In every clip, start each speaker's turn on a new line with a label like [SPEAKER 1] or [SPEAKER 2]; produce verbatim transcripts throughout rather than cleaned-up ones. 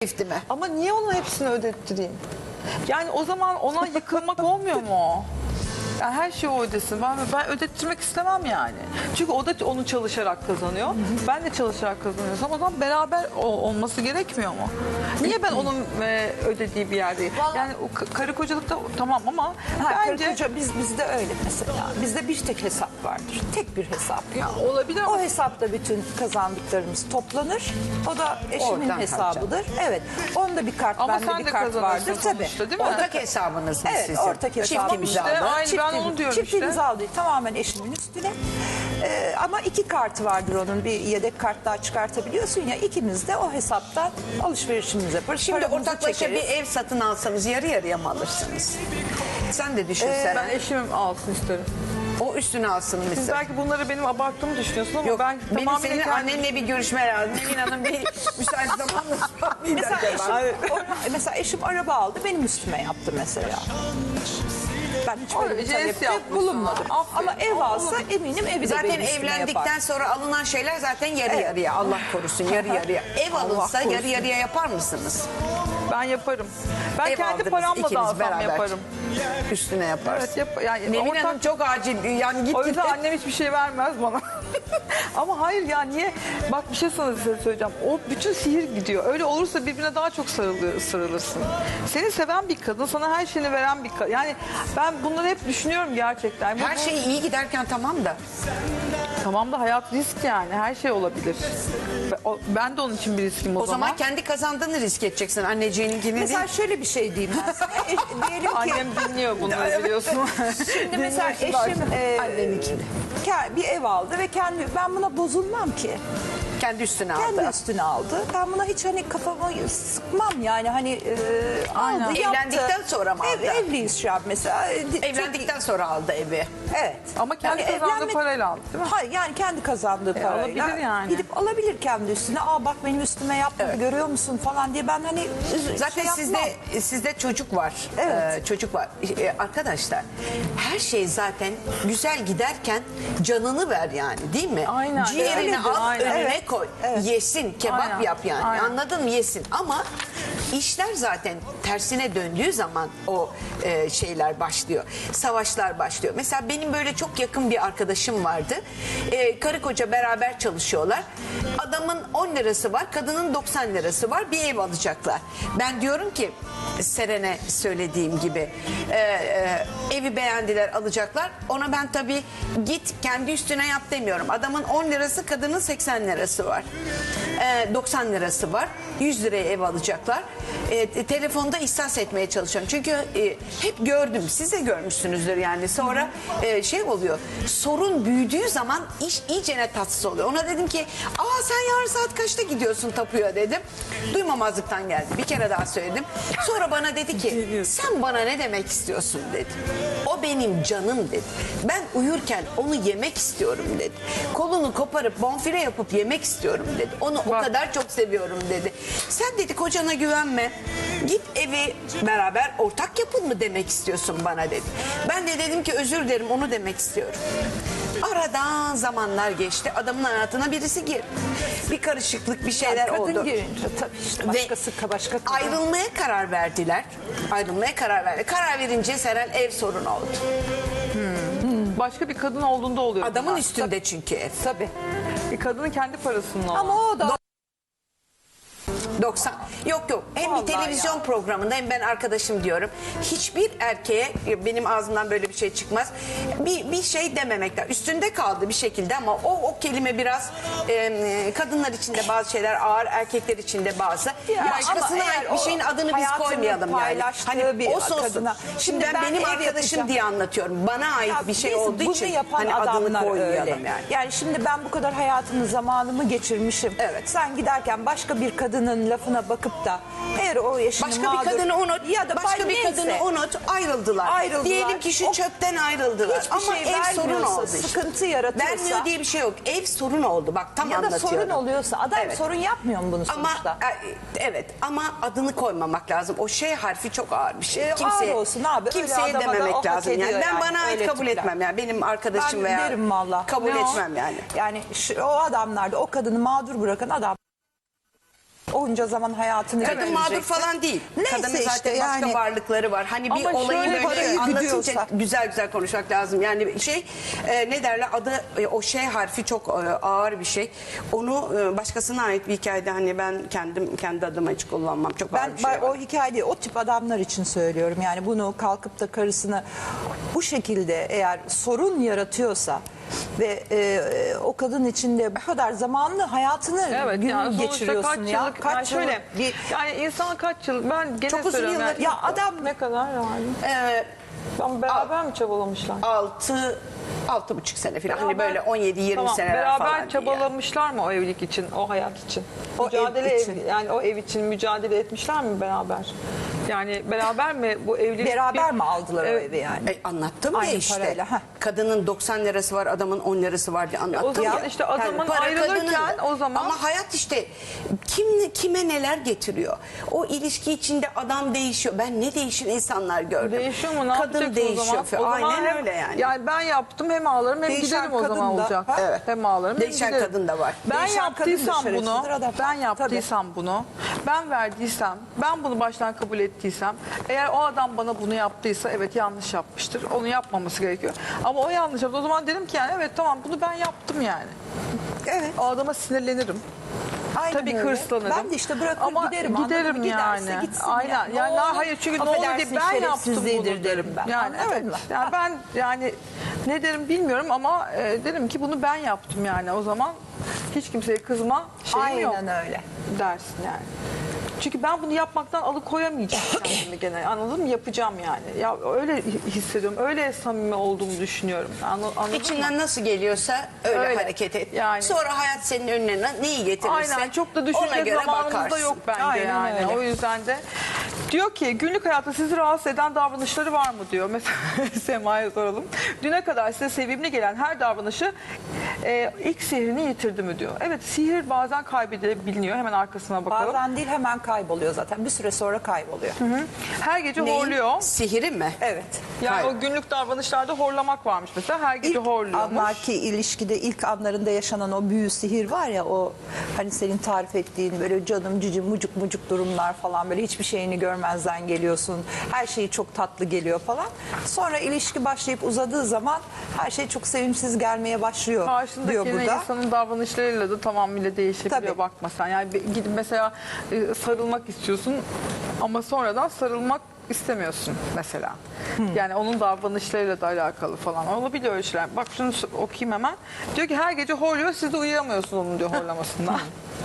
[SPEAKER 1] mi?
[SPEAKER 2] Ama niye onun hepsini ödettireyim? Yani o zaman ona yıkılmak olmuyor mu? Yani her şeyi o ödesin. Ben, ben ödettirmek istemem yani. Çünkü o da onu çalışarak kazanıyor. Hı hı. Ben de çalışarak kazanıyorsam o zaman beraber olması gerekmiyor mu? Niye ben onun e, ödediği bir yerdeyim? Vallahi... Yani o karı kocalıkta tamam ama
[SPEAKER 3] ha,
[SPEAKER 2] bence...
[SPEAKER 3] Karı koca biz, bizde öyle mesela. Bizde bir tek hesap vardır. Tek bir hesap.
[SPEAKER 2] Ya, olabilir ama...
[SPEAKER 3] O hesapta bütün kazandıklarımız toplanır. O da eşimin
[SPEAKER 1] Oradan
[SPEAKER 3] hesabıdır.
[SPEAKER 1] harcam.
[SPEAKER 3] Evet. Onda bir kart,
[SPEAKER 2] ama
[SPEAKER 3] bende bir kart vardır. Tabii.
[SPEAKER 2] Değil mi?
[SPEAKER 1] Ortak hesabınız mı
[SPEAKER 3] evet,
[SPEAKER 1] sizin?
[SPEAKER 3] ortak hesabımız.
[SPEAKER 1] Çift imzalı.
[SPEAKER 2] İşte, aynı
[SPEAKER 3] Çift,
[SPEAKER 2] ben onu diyorum
[SPEAKER 3] çift
[SPEAKER 2] işte.
[SPEAKER 3] imzalı değil, tamamen eşimin üstüne. Ee, ama iki kartı vardır onun. Bir yedek kart daha çıkartabiliyorsun ya. İkimiz de o hesaptan alışverişimizi yaparız.
[SPEAKER 1] Şimdi
[SPEAKER 3] paramızı
[SPEAKER 1] ortaklaşa
[SPEAKER 3] çekeriz.
[SPEAKER 1] bir ev satın alsanız yarı yarıya mı alırsınız? Sen de düşünsene.
[SPEAKER 2] Ee, ben eşimim alsın isterim.
[SPEAKER 1] O üstüne alsın
[SPEAKER 2] Siz
[SPEAKER 1] mesela.
[SPEAKER 2] belki bunları benim abarttığımı düşünüyorsun ama
[SPEAKER 1] Yok,
[SPEAKER 2] ben
[SPEAKER 1] benim
[SPEAKER 2] tamamen
[SPEAKER 1] senin
[SPEAKER 2] kendim...
[SPEAKER 1] annenle bir görüşme lazım. Nevin Hanım bir müsait zamanla
[SPEAKER 3] Mesela, eşim, o- mesela eşim araba aldı, benim üstüme yaptı mesela. Ben hiç böyle bir
[SPEAKER 2] Jest
[SPEAKER 3] talepte
[SPEAKER 2] yapmışsın.
[SPEAKER 3] bulunmadım.
[SPEAKER 2] Aferin.
[SPEAKER 3] Ama ev alsa
[SPEAKER 2] Olur.
[SPEAKER 3] eminim evi de
[SPEAKER 1] Zaten
[SPEAKER 3] benim üstüme
[SPEAKER 1] evlendikten
[SPEAKER 3] yapar.
[SPEAKER 1] sonra alınan şeyler zaten yarı
[SPEAKER 3] Evet.
[SPEAKER 1] yarıya. Allah korusun yarı yarıya. Ev
[SPEAKER 3] Allah
[SPEAKER 1] alınsa
[SPEAKER 3] korusun.
[SPEAKER 1] yarı yarıya yapar mısınız?
[SPEAKER 2] Ben yaparım. Ben
[SPEAKER 1] Ev
[SPEAKER 2] kendi
[SPEAKER 1] aldınız
[SPEAKER 2] paramla
[SPEAKER 1] ikiniz
[SPEAKER 2] da alsam
[SPEAKER 1] beraber.
[SPEAKER 2] yaparım.
[SPEAKER 1] Üstüne yaparsın.
[SPEAKER 2] Evet, yap, yani
[SPEAKER 1] Nevin
[SPEAKER 2] ortak-
[SPEAKER 1] Hanım çok acil. Yani git
[SPEAKER 2] O
[SPEAKER 1] git.
[SPEAKER 2] yüzden annem hiçbir şey vermez bana. Ama hayır ya niye? Bak bir şey sana size söyleyeceğim. O bütün sihir gidiyor. Öyle olursa birbirine daha çok sarılır, sarılırsın. Seni seven bir kadın, sana her şeyini veren bir kadın. Yani ben bunları hep düşünüyorum gerçekten. Bu-
[SPEAKER 1] Her
[SPEAKER 2] bu-
[SPEAKER 1] şey iyi giderken tamam da.
[SPEAKER 2] Tamam da hayat risk yani. Her şey olabilir. O- Ben de onun için bir riskim o,
[SPEAKER 1] O zaman kendi kazandığını risk edeceksin anneciğininkini değil.
[SPEAKER 3] Mesela şöyle bir şey diyeyim ben sana. E, diyelim ki
[SPEAKER 2] Annem dinliyor bunları biliyorsun.
[SPEAKER 3] şimdi mesela
[SPEAKER 2] Dinliyor şimdi
[SPEAKER 3] eşim e,
[SPEAKER 1] Anneninkini.
[SPEAKER 3] ke- bir ev aldı ve kendi ben buna bozulmam ki.
[SPEAKER 1] Kendi üstüne aldı.
[SPEAKER 3] Kendi üstüne aldı. Ben buna hiç hani kafamı sıkmam yani hani e,
[SPEAKER 2] Aynen.
[SPEAKER 3] aldı yaptı.
[SPEAKER 1] Evlendikten sonra mı aldı?
[SPEAKER 3] Ev, evliyiz şu an mesela. E, di-
[SPEAKER 1] Evlendikten sonra aldı evi.
[SPEAKER 3] Evet.
[SPEAKER 2] Ama kendi kazandığı parayla aldı, değil mi?
[SPEAKER 3] Hayır yani kendi kazandığı
[SPEAKER 2] E,
[SPEAKER 3] parayla.
[SPEAKER 2] alabilir yani.
[SPEAKER 3] Gidip alabilir kendi üstüne. Aa bak benim üstüme yapmadı
[SPEAKER 1] Evet.
[SPEAKER 3] görüyor musun falan diye ben hani üz-
[SPEAKER 1] Zaten
[SPEAKER 3] şey
[SPEAKER 1] sizde
[SPEAKER 3] yapmam.
[SPEAKER 1] sizde çocuk var.
[SPEAKER 3] Evet.
[SPEAKER 1] Ee, çocuk var. Ee, arkadaşlar her şey zaten güzel giderken canını ver yani değil mi?
[SPEAKER 2] Aynen.
[SPEAKER 1] Ciğerini
[SPEAKER 2] Öyledir,
[SPEAKER 1] al
[SPEAKER 2] aynen.
[SPEAKER 1] önüne
[SPEAKER 3] Evet.
[SPEAKER 1] koy.
[SPEAKER 3] Evet.
[SPEAKER 1] Yesin kebap
[SPEAKER 2] Aynen.
[SPEAKER 1] yap yani.
[SPEAKER 2] Aynen.
[SPEAKER 1] Anladın mı? Yesin. Ama işler zaten tersine döndüğü zaman o e, şeyler başlıyor. Savaşlar başlıyor. Mesela benim böyle çok yakın bir arkadaşım vardı. Ee, karı koca beraber çalışıyorlar. Adamın on lirası var, kadının doksan lirası var. Bir ev alacaklar. Ben diyorum ki Seren'e söylediğim gibi e, e, evi beğendiler alacaklar. Ona ben tabii git kendi üstüne yap demiyorum. Adamın on lirası, kadının seksen lirası var. E, doksan lirası var. yüz liraya ev alacaklar. E, te- telefonda ihsas etmeye çalışıyorum. Çünkü e, hep gördüm. Siz de görmüşsünüzdür yani. Sonra e, şey oluyor. Sorun büyüdüğü zaman iş iyicene tatsız oluyor. Ona dedim ki aa sen yarın saat kaçta gidiyorsun tapuya dedim. Duymamazlıktan geldi. Bir kere daha söyledim. Sonra bana dedi ki sen bana ne demek istiyorsun dedi. O benim canım dedi. Ben uyurken onu yemek istiyorum dedi. Kolunu koparıp bonfile yapıp yemek istiyorum dedi. Onu o
[SPEAKER 2] Bak.
[SPEAKER 1] kadar çok seviyorum dedi. Sen dedi kocana güvenme. Git evi beraber ortak yapın mı demek istiyorsun bana dedi. Ben de dedim ki özür dilerim onu demek istiyorum. Aradan zamanlar geçti. Adamın hayatına birisi girdi. Bir karışıklık bir şeyler
[SPEAKER 3] kadın
[SPEAKER 1] oldu.
[SPEAKER 3] girince tabii işte başkası başka kadın.
[SPEAKER 1] Ayrılmaya karar verdiler. Ayrılmaya karar verdi. Karar verince Seren ev sorunu oldu.
[SPEAKER 2] Başka bir kadın olduğunda oluyor.
[SPEAKER 1] Adamın
[SPEAKER 2] bunlar.
[SPEAKER 1] üstünde çünkü ev.
[SPEAKER 3] Tabii.
[SPEAKER 2] Bir kadının kendi parasının olan.
[SPEAKER 3] Ama o da
[SPEAKER 1] doksan. Yok yok. Hem
[SPEAKER 3] Vallahi
[SPEAKER 1] bir televizyon
[SPEAKER 3] ya.
[SPEAKER 1] programında hem ben arkadaşım diyorum. Hiçbir erkeğe benim ağzımdan böyle bir şey çıkmaz. Bir, bir şey dememekler. Üstünde kaldı bir şekilde ama o o kelime biraz e, kadınlar için de bazı şeyler ağır, erkekler için de bazı.
[SPEAKER 3] Ya
[SPEAKER 1] Başkasına
[SPEAKER 3] ama eğer
[SPEAKER 1] ait bir
[SPEAKER 3] o
[SPEAKER 1] şeyin adını biz
[SPEAKER 3] hayatını
[SPEAKER 1] koymayalım yani.
[SPEAKER 3] paylaştığı bir
[SPEAKER 1] o sosun.
[SPEAKER 3] kadına-
[SPEAKER 1] Şimdi
[SPEAKER 3] Şimdi
[SPEAKER 1] ben,
[SPEAKER 3] ben
[SPEAKER 1] benim
[SPEAKER 3] ev
[SPEAKER 1] arkadaşım
[SPEAKER 3] yapacağım.
[SPEAKER 1] diye anlatıyorum. Bana ait
[SPEAKER 3] Ya
[SPEAKER 1] bir şey
[SPEAKER 3] biz
[SPEAKER 1] olduğu
[SPEAKER 3] bunu
[SPEAKER 1] için
[SPEAKER 3] yapan
[SPEAKER 1] hani adını
[SPEAKER 3] adamlar
[SPEAKER 1] koymayalım
[SPEAKER 3] öyle.
[SPEAKER 1] yani.
[SPEAKER 3] Yani şimdi ben bu kadar hayatımı zamanımı geçirmişim.
[SPEAKER 1] Evet.
[SPEAKER 3] Sen giderken başka bir kadının lafına bakıp da eğer o yaşını
[SPEAKER 1] Başka
[SPEAKER 3] mağdur,
[SPEAKER 1] bir kadını unut.
[SPEAKER 3] ya da
[SPEAKER 1] başka
[SPEAKER 3] bay-
[SPEAKER 1] bir
[SPEAKER 3] neyse,
[SPEAKER 1] kadını unut. Ayrıldılar.
[SPEAKER 3] Ayrıldılar.
[SPEAKER 1] Diyelim ki şu
[SPEAKER 3] O-
[SPEAKER 1] çöpten ayrıldılar.
[SPEAKER 3] hiçbir
[SPEAKER 1] Ama
[SPEAKER 3] şey
[SPEAKER 1] ev sorun
[SPEAKER 3] vermiyorsa,
[SPEAKER 1] oldu işte.
[SPEAKER 3] sıkıntı yaratıyorsa-
[SPEAKER 1] Vermiyor diye bir şey yok. Ev sorun oldu. Bak tam
[SPEAKER 3] ya da
[SPEAKER 1] anlatıyorum.
[SPEAKER 3] sorun oluyorsa adam
[SPEAKER 1] Evet.
[SPEAKER 3] sorun yapmıyor mu bunu
[SPEAKER 1] Ama
[SPEAKER 3] sonuçta?
[SPEAKER 1] e, evet ama adını koymamak lazım. O şey harfi çok ağır bir şey.
[SPEAKER 3] E, ağır olsun abi. Öyle
[SPEAKER 1] Kimseye
[SPEAKER 3] adama da o
[SPEAKER 1] dememek
[SPEAKER 3] hak
[SPEAKER 1] lazım yani.
[SPEAKER 3] ediyor
[SPEAKER 1] Ben
[SPEAKER 3] yani,
[SPEAKER 1] bana ait
[SPEAKER 3] öyle
[SPEAKER 1] kabul
[SPEAKER 3] tipler.
[SPEAKER 1] etmem yani. Benim arkadaşım
[SPEAKER 3] Ben
[SPEAKER 1] veya
[SPEAKER 3] derim valla.
[SPEAKER 1] kabul
[SPEAKER 3] Ne o?
[SPEAKER 1] etmem yani.
[SPEAKER 3] Yani şu, o adamlar da o kadını mağdur bırakan adam Onca zaman hayatını
[SPEAKER 1] Kadın mağdur
[SPEAKER 3] geçireceksin.
[SPEAKER 1] falan değil.
[SPEAKER 3] Neyse
[SPEAKER 1] Kadının
[SPEAKER 3] işte
[SPEAKER 1] zaten başka
[SPEAKER 3] yani.
[SPEAKER 1] varlıkları var. Hani bir
[SPEAKER 2] Ama
[SPEAKER 1] olayı
[SPEAKER 2] şöyle
[SPEAKER 1] böyle
[SPEAKER 3] parayı
[SPEAKER 1] anlatınca
[SPEAKER 3] gidiyorsa.
[SPEAKER 1] güzel güzel konuşmak lazım. Yani şey e, ne derler adı e, o şey harfi çok e, ağır bir şey. Onu e, başkasına ait bir hikayede hani ben kendim kendi adıma hiç kullanmam. Çok
[SPEAKER 3] Ben
[SPEAKER 1] ağır bir şey
[SPEAKER 3] ben
[SPEAKER 1] var.
[SPEAKER 3] o hikayeyi o tip adamlar için söylüyorum. Yani bunu kalkıp da karısını bu şekilde eğer sorun yaratıyorsa ve e, o kadın içinde bu kadar zamanlı hayatını
[SPEAKER 2] Evet
[SPEAKER 3] gün
[SPEAKER 2] yani sonuçta
[SPEAKER 3] geçiriyorsun
[SPEAKER 2] kaç
[SPEAKER 3] ya.
[SPEAKER 2] yıllık yani şöyle
[SPEAKER 3] yıllık bir
[SPEAKER 2] yani insan kaç yıl ben gene
[SPEAKER 1] Çok uzun
[SPEAKER 2] söylüyorum
[SPEAKER 1] yıllar-
[SPEAKER 2] yani,
[SPEAKER 3] ya adam
[SPEAKER 2] ne kadar yani
[SPEAKER 1] E,
[SPEAKER 2] ama beraber mi çabalamışlar?
[SPEAKER 1] altı altı buçuk sene falan hani
[SPEAKER 2] Beraber-
[SPEAKER 1] böyle on yedi yirmi
[SPEAKER 2] Tamam,
[SPEAKER 1] seneler
[SPEAKER 2] beraber
[SPEAKER 1] falan. diye.
[SPEAKER 2] çabalamışlar mı o evlilik için, o hayat için?
[SPEAKER 3] O
[SPEAKER 2] mücadele
[SPEAKER 3] ev
[SPEAKER 2] ev
[SPEAKER 3] için.
[SPEAKER 2] yani o ev için mücadele etmişler mi beraber? Yani beraber mi bu evlilik?
[SPEAKER 3] beraber
[SPEAKER 2] bir-
[SPEAKER 3] mi aldılar o
[SPEAKER 2] Evet.
[SPEAKER 3] evi yani?
[SPEAKER 1] E, anlattım
[SPEAKER 3] Aynı
[SPEAKER 1] ya işte.
[SPEAKER 3] parayla, heh.
[SPEAKER 1] Kadının doksan lirası var, adamın on lirası var diye anlattım
[SPEAKER 2] O zaman
[SPEAKER 1] ya.
[SPEAKER 2] işte adamın
[SPEAKER 1] para
[SPEAKER 2] ayrılırken
[SPEAKER 1] kadının da.
[SPEAKER 2] o zaman-
[SPEAKER 1] Ama hayat işte kim kime neler getiriyor. O ilişki içinde adam değişiyor. Ben ne değişir insanlar gördüm.
[SPEAKER 2] Değişiyor mu? Ne
[SPEAKER 1] Kadın
[SPEAKER 2] yapacaksın
[SPEAKER 1] değişiyor.
[SPEAKER 2] o zaman? O zaman
[SPEAKER 1] Aynen
[SPEAKER 2] hem-
[SPEAKER 1] öyle yani.
[SPEAKER 2] Yani ben yaptım hem ağlarım hem
[SPEAKER 3] Değişen
[SPEAKER 2] giderim o
[SPEAKER 3] kadın
[SPEAKER 2] zaman
[SPEAKER 3] da-
[SPEAKER 2] olacak.
[SPEAKER 3] Ha?
[SPEAKER 1] Evet.
[SPEAKER 2] Hem ağlarım hem
[SPEAKER 1] Değişen
[SPEAKER 2] giderim.
[SPEAKER 1] kadın da var.
[SPEAKER 2] Ben
[SPEAKER 3] Değişen kadın da
[SPEAKER 2] yaptıysam bunu,
[SPEAKER 3] şerefsizdir adam.
[SPEAKER 2] ben yaptıysam bunu, ben verdiysem, ben bunu baştan kabul ettiysem, eğer o adam bana bunu yaptıysa evet yanlış yapmıştır. Onu yapmaması gerekiyor. Ama o yanlış yaptı. O zaman dedim ki yani evet tamam bunu ben yaptım yani.
[SPEAKER 3] Evet.
[SPEAKER 2] O adama sinirlenirim.
[SPEAKER 3] Aynen
[SPEAKER 2] Tabii
[SPEAKER 3] öyle.
[SPEAKER 2] hırslanırım.
[SPEAKER 3] Ben de işte bırakır
[SPEAKER 2] Ama
[SPEAKER 3] giderim. anladın
[SPEAKER 2] giderim
[SPEAKER 3] mı? Giderse
[SPEAKER 2] yani.
[SPEAKER 3] gitsin
[SPEAKER 2] Aynen.
[SPEAKER 3] ya. Ne
[SPEAKER 2] Yani
[SPEAKER 3] olur,
[SPEAKER 2] hayır çünkü ne olur
[SPEAKER 3] affedersin,
[SPEAKER 2] diye ben yaptım
[SPEAKER 3] şerefsizliğidir
[SPEAKER 2] bunu
[SPEAKER 3] derim ben.
[SPEAKER 2] Yani
[SPEAKER 3] Anladın
[SPEAKER 2] evet.
[SPEAKER 3] mı?
[SPEAKER 2] Yani ben yani ne derim bilmiyorum ama e, derim ki bunu ben yaptım yani. O zaman hiç kimseye kızma şeyim yok.
[SPEAKER 3] Aynen öyle.
[SPEAKER 2] Dersin yani. Çünkü ben bunu yapmaktan alıkoyamayacağım kendimi gene. Anladın mı? Yapacağım yani. Ya öyle hissediyorum. Öyle samimi olduğumu düşünüyorum. Anla- Anladın mı?
[SPEAKER 1] İçinden nasıl geliyorsa öyle,
[SPEAKER 2] Öyle.
[SPEAKER 1] hareket et.
[SPEAKER 2] Yani.
[SPEAKER 1] Sonra hayat senin önüne neyi getirirse
[SPEAKER 2] Aynen çok da
[SPEAKER 1] ona
[SPEAKER 2] düşünecek
[SPEAKER 1] göre
[SPEAKER 2] zamanımız da
[SPEAKER 1] bakarsın.
[SPEAKER 2] yok bence
[SPEAKER 3] Aynen
[SPEAKER 2] yani.
[SPEAKER 3] öyle.
[SPEAKER 2] O yüzden de diyor ki günlük hayatta sizi rahatsız eden davranışları var mı diyor. Mesela Sema'ya soralım. Düne kadar size sevimli gelen her davranışı e, ilk sihrini yitirdi mi diyor. Evet sihir bazen kaybedilebiliyor. Hemen arkasına bakalım.
[SPEAKER 3] Bazen değil hemen kayboluyor zaten. Bir süre sonra kayboluyor.
[SPEAKER 2] Her gece
[SPEAKER 1] Neyin?
[SPEAKER 2] horluyor.
[SPEAKER 1] Sihiri mi?
[SPEAKER 3] Evet.
[SPEAKER 2] Yani
[SPEAKER 1] Kay-
[SPEAKER 2] o günlük davranışlarda horlamak varmış mesela. Her gece
[SPEAKER 3] İlk
[SPEAKER 2] horluyormuş.
[SPEAKER 3] anlarki ilişkide ilk anlarında yaşanan o büyü sihir var ya, o hani senin tarif ettiğin böyle canım cicim mucuk mucuk durumlar falan, böyle hiçbir şeyini görmezden geliyorsun. Her şey çok tatlı geliyor falan. Sonra ilişki başlayıp uzadığı zaman her şey çok sevimsiz gelmeye başlıyor diyor
[SPEAKER 2] Karşındaki
[SPEAKER 3] burada.
[SPEAKER 2] insanın davranışlarıyla da tamamıyla değişebiliyor.
[SPEAKER 3] Tabii.
[SPEAKER 2] Bakma sen. Yani bir- gidip mesela e, sarılmak istiyorsun ama sonradan sarılmak istemiyorsun mesela. Yani onun davranışlarıyla da alakalı falan. Olabiliyor öyle şeyler. Bak şunu s- okuyayım hemen. Diyor ki her gece horluyor, siz de uyuyamıyorsunuz onun diyor horlamasından.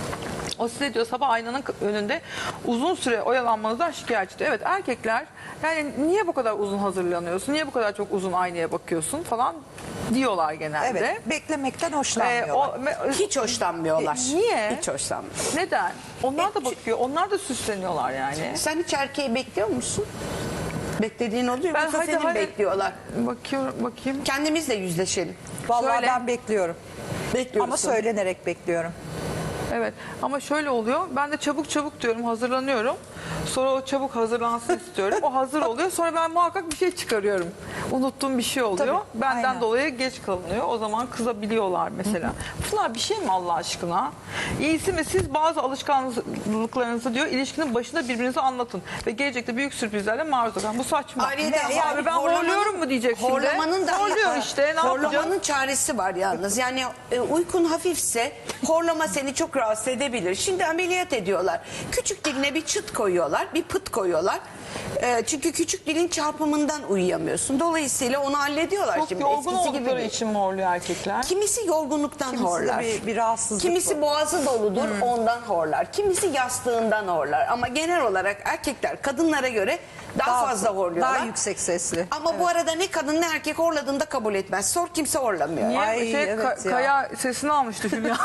[SPEAKER 2] O size diyor sabah aynanın önünde uzun süre oyalanmanızdan şikayetçi diyor. Evet erkekler yani niye bu kadar uzun hazırlanıyorsun, niye bu kadar çok uzun aynaya bakıyorsun falan diyorlar genelde.
[SPEAKER 3] Evet, beklemekten
[SPEAKER 2] Ee,
[SPEAKER 3] hoşlanmıyorlar.
[SPEAKER 2] o, me-
[SPEAKER 1] Hiç hoşlanmıyorlar.
[SPEAKER 2] E, niye?
[SPEAKER 1] Hiç hoşlanmıyorlar.
[SPEAKER 2] Neden? Onlar da bakıyor, onlar da süsleniyorlar yani.
[SPEAKER 1] Sen hiç erkeği bekliyor musun? Beklediğin oluyor mu?
[SPEAKER 2] Ben
[SPEAKER 1] Yoksa
[SPEAKER 2] hadi,
[SPEAKER 1] seni
[SPEAKER 2] hadi.
[SPEAKER 1] bekliyorlar.
[SPEAKER 2] Bakıyorum, bakayım.
[SPEAKER 1] Kendimizle yüzleşelim.
[SPEAKER 3] Vallahi
[SPEAKER 2] söyle.
[SPEAKER 3] ben bekliyorum.
[SPEAKER 1] Bekliyoruz.
[SPEAKER 3] Ama söylenerek bekliyorum.
[SPEAKER 2] Evet ama şöyle oluyor. Ben de çabuk çabuk diyorum, hazırlanıyorum. Sonra o çabuk hazırlansın istiyorum. O hazır oluyor. Sonra ben muhakkak bir şey çıkarıyorum. Unuttuğum bir şey oluyor.
[SPEAKER 3] Tabii,
[SPEAKER 2] Benden
[SPEAKER 3] aynen.
[SPEAKER 2] dolayı geç kalınıyor. O zaman kızabiliyorlar mesela. Bunlar bir şey mi Allah aşkına? İyisi mi siz bazı alışkanlıklarınızı diyor ilişkinin başında birbirinize anlatın. Ve gelecekte büyük sürprizlerle maruz kalın. Bu saçma.
[SPEAKER 1] Ayrıyeten
[SPEAKER 2] Ne,
[SPEAKER 1] yani
[SPEAKER 2] abi ben
[SPEAKER 1] horlamanın-
[SPEAKER 2] horluyorum mu diyecek şimdi?
[SPEAKER 1] Horlamanın da
[SPEAKER 2] Horluyor işte ne yapacağım?
[SPEAKER 1] Horlamanın çaresi var yalnız. Yani e, uykun hafifse horlama seni çok rahatsız edebilir. Şimdi ameliyat ediyorlar. Küçük diline bir çıt koyuyorlar, bir pıt koyuyorlar. E, çünkü küçük dilin çarpımından uyuyamıyorsun. Dolayısıyla onu hallediyorlar
[SPEAKER 2] Çok
[SPEAKER 1] şimdi.
[SPEAKER 2] yorgun
[SPEAKER 1] Eskisi gibi
[SPEAKER 2] oldukları
[SPEAKER 1] değil.
[SPEAKER 2] için mi horluyor erkekler?
[SPEAKER 1] Kimisi yorgunluktan
[SPEAKER 3] Kimisi de
[SPEAKER 1] horlar.
[SPEAKER 3] bir- bir rahatsızlık
[SPEAKER 1] Kimisi
[SPEAKER 3] var.
[SPEAKER 1] boğazı doludur
[SPEAKER 2] Hmm.
[SPEAKER 1] ondan horlar. Kimisi yastığından horlar. Ama genel olarak erkekler kadınlara göre daha, fazla horluyorlar.
[SPEAKER 3] Daha yüksek sesli.
[SPEAKER 1] Ama bu arada ne kadın ne erkek horladığında kabul etmez. Sor kimse horlamıyor.
[SPEAKER 2] Niye?
[SPEAKER 3] Ay,
[SPEAKER 2] şey,
[SPEAKER 3] evet
[SPEAKER 2] Ka-
[SPEAKER 3] ya.
[SPEAKER 2] Kaya sesini almıştı Hülya.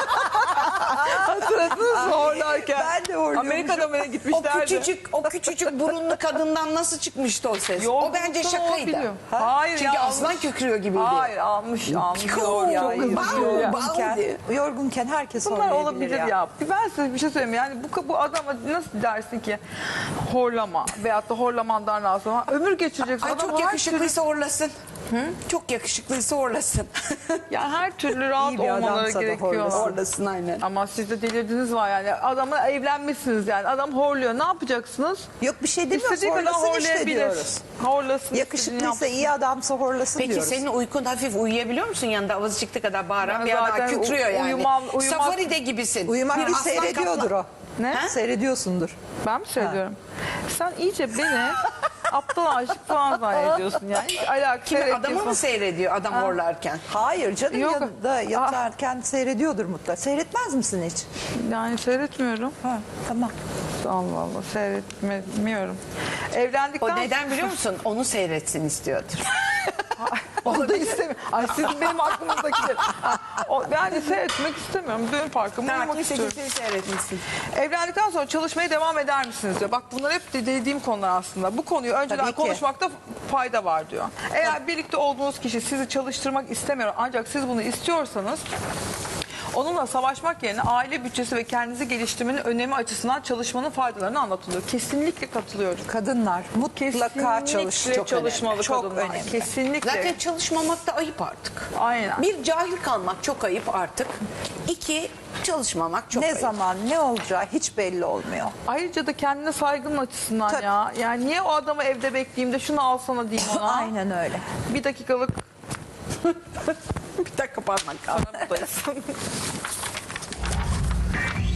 [SPEAKER 2] Hatırladınız mı horlarken?
[SPEAKER 3] Ben de horluyormuşum.
[SPEAKER 2] Amerika'da mı
[SPEAKER 1] O
[SPEAKER 2] gitmişlerdi?
[SPEAKER 1] küçücük o küçücük burunlu kadından nasıl çıkmıştı o ses? O
[SPEAKER 2] Yorgunluktan
[SPEAKER 1] bence şakaydı.
[SPEAKER 2] olabiliyor. Hayır
[SPEAKER 1] Çünkü
[SPEAKER 2] ya,
[SPEAKER 1] aslan
[SPEAKER 2] almış.
[SPEAKER 1] kökürüyor gibiydi.
[SPEAKER 2] Hayır almış almış.
[SPEAKER 1] Piu,
[SPEAKER 2] Doğru,
[SPEAKER 1] ya,
[SPEAKER 2] çok hızlı
[SPEAKER 1] bam,
[SPEAKER 2] gidiyor ya.
[SPEAKER 1] bam.
[SPEAKER 3] Yorgunken,
[SPEAKER 1] diye.
[SPEAKER 3] yorgunken herkes
[SPEAKER 2] Bunlar
[SPEAKER 3] horlayabilir
[SPEAKER 2] olabilir ya.
[SPEAKER 3] ya.
[SPEAKER 2] Ben size bir şey söyleyeyim. Yani bu, bu adama nasıl dersin ki horlama veyahut da horlamandan rahatsız olma. Ömür geçireceksin.
[SPEAKER 1] Ay
[SPEAKER 2] Adam
[SPEAKER 1] çok
[SPEAKER 2] her
[SPEAKER 1] yakışıklıysa horlasın.
[SPEAKER 2] türlü-
[SPEAKER 1] Çok yakışıklıysa horlasın.
[SPEAKER 2] Yani her türlü rahat
[SPEAKER 3] İyi bir
[SPEAKER 2] olmaları
[SPEAKER 3] adamsa da
[SPEAKER 2] gerekiyor.
[SPEAKER 3] horlasın.
[SPEAKER 1] Horlasın aynen.
[SPEAKER 2] Ama siz de delirdiniz var yani. Adamla evlenmişsiniz yani. Adam horluyor. Ne yapacaksınız?
[SPEAKER 3] Yok bir şey demiyoruz.
[SPEAKER 2] İstediği kadar
[SPEAKER 3] Horlasın işte
[SPEAKER 2] horlayabilir.
[SPEAKER 3] diyoruz.
[SPEAKER 2] Horlasın. istediğini
[SPEAKER 3] Yakışıklıysa
[SPEAKER 2] yapsın.
[SPEAKER 3] iyi adamsa horlasın
[SPEAKER 1] Peki
[SPEAKER 3] diyoruz.
[SPEAKER 1] senin uykun hafif uyuyabiliyor musun yanında avazı çıktı kadar bağıran
[SPEAKER 2] Ben
[SPEAKER 1] bir adam
[SPEAKER 2] zaten
[SPEAKER 1] kükrüyor
[SPEAKER 2] u-
[SPEAKER 1] yani.
[SPEAKER 2] uyumam- uyumak-
[SPEAKER 1] Safari'de gibisin.
[SPEAKER 3] Uyumak
[SPEAKER 1] Bir
[SPEAKER 3] bir
[SPEAKER 1] aslan
[SPEAKER 3] seyrediyordur
[SPEAKER 1] kaplan.
[SPEAKER 3] o.
[SPEAKER 2] Ne?
[SPEAKER 1] Ha?
[SPEAKER 3] Seyrediyorsundur.
[SPEAKER 2] Ben mi söylüyorum? Sen iyice beni aptal aşık falan zannediyorsun yani. Hiç alakası
[SPEAKER 1] Kimi adamı
[SPEAKER 2] yok.
[SPEAKER 1] mı seyrediyor adam horlarken?
[SPEAKER 3] Hayır canım
[SPEAKER 2] Yok.
[SPEAKER 3] yanında yatarken seyrediyordur mutlaka. Seyretmez misin hiç?
[SPEAKER 2] Yani seyretmiyorum.
[SPEAKER 3] Ha, tamam.
[SPEAKER 2] Allah Allah seyretmiyorum. Evlendikten
[SPEAKER 1] O neden biliyor musun? Onu seyretsin istiyordur.
[SPEAKER 2] Onu da istemiyorum. Ay sizin benim aklımızdakiler. Ha, o- Yani seyretmek istemiyorum. Dön farkımı
[SPEAKER 1] Tamam,
[SPEAKER 2] uyumak
[SPEAKER 1] kimse
[SPEAKER 2] istiyorum.
[SPEAKER 1] kimseyi seyretmesin.
[SPEAKER 2] Evlendikten sonra çalışmaya devam eder misiniz diyor. Bak bunlar hep de dediğim konular aslında. Bu konuyu önceden
[SPEAKER 3] Tabii ki.
[SPEAKER 2] konuşmakta fayda var diyor. Eğer birlikte olduğunuz kişi sizi çalıştırmak istemiyor ancak siz bunu istiyorsanız onunla savaşmak yerine aile bütçesi ve kendinizi geliştirmenin önemi açısından çalışmanın faydalarını anlatılıyor. Kesinlikle katılıyorum.
[SPEAKER 3] Kadınlar mutlaka çalış.
[SPEAKER 2] Kesinlikle
[SPEAKER 3] Çok
[SPEAKER 2] çalışmalı
[SPEAKER 3] önemli. Çok
[SPEAKER 2] kadınlar.
[SPEAKER 3] önemli.
[SPEAKER 2] Kesinlikle.
[SPEAKER 1] Zaten çalışmamak da ayıp artık.
[SPEAKER 2] Aynen.
[SPEAKER 1] Bir cahil kalmak çok ayıp artık. İki çalışmamak çok
[SPEAKER 3] Ne
[SPEAKER 1] ayıp.
[SPEAKER 3] zaman ne olacağı hiç belli olmuyor.
[SPEAKER 2] Ayrıca da kendine saygının açısından
[SPEAKER 3] Tabii.
[SPEAKER 2] ya. Yani niye o adamı evde bekleyeyim de şunu alsana diyeyim ona.
[SPEAKER 3] Aynen öyle.
[SPEAKER 2] Bir dakikalık
[SPEAKER 1] Bir dakika parmak kaldı.
[SPEAKER 2] aramızdayız.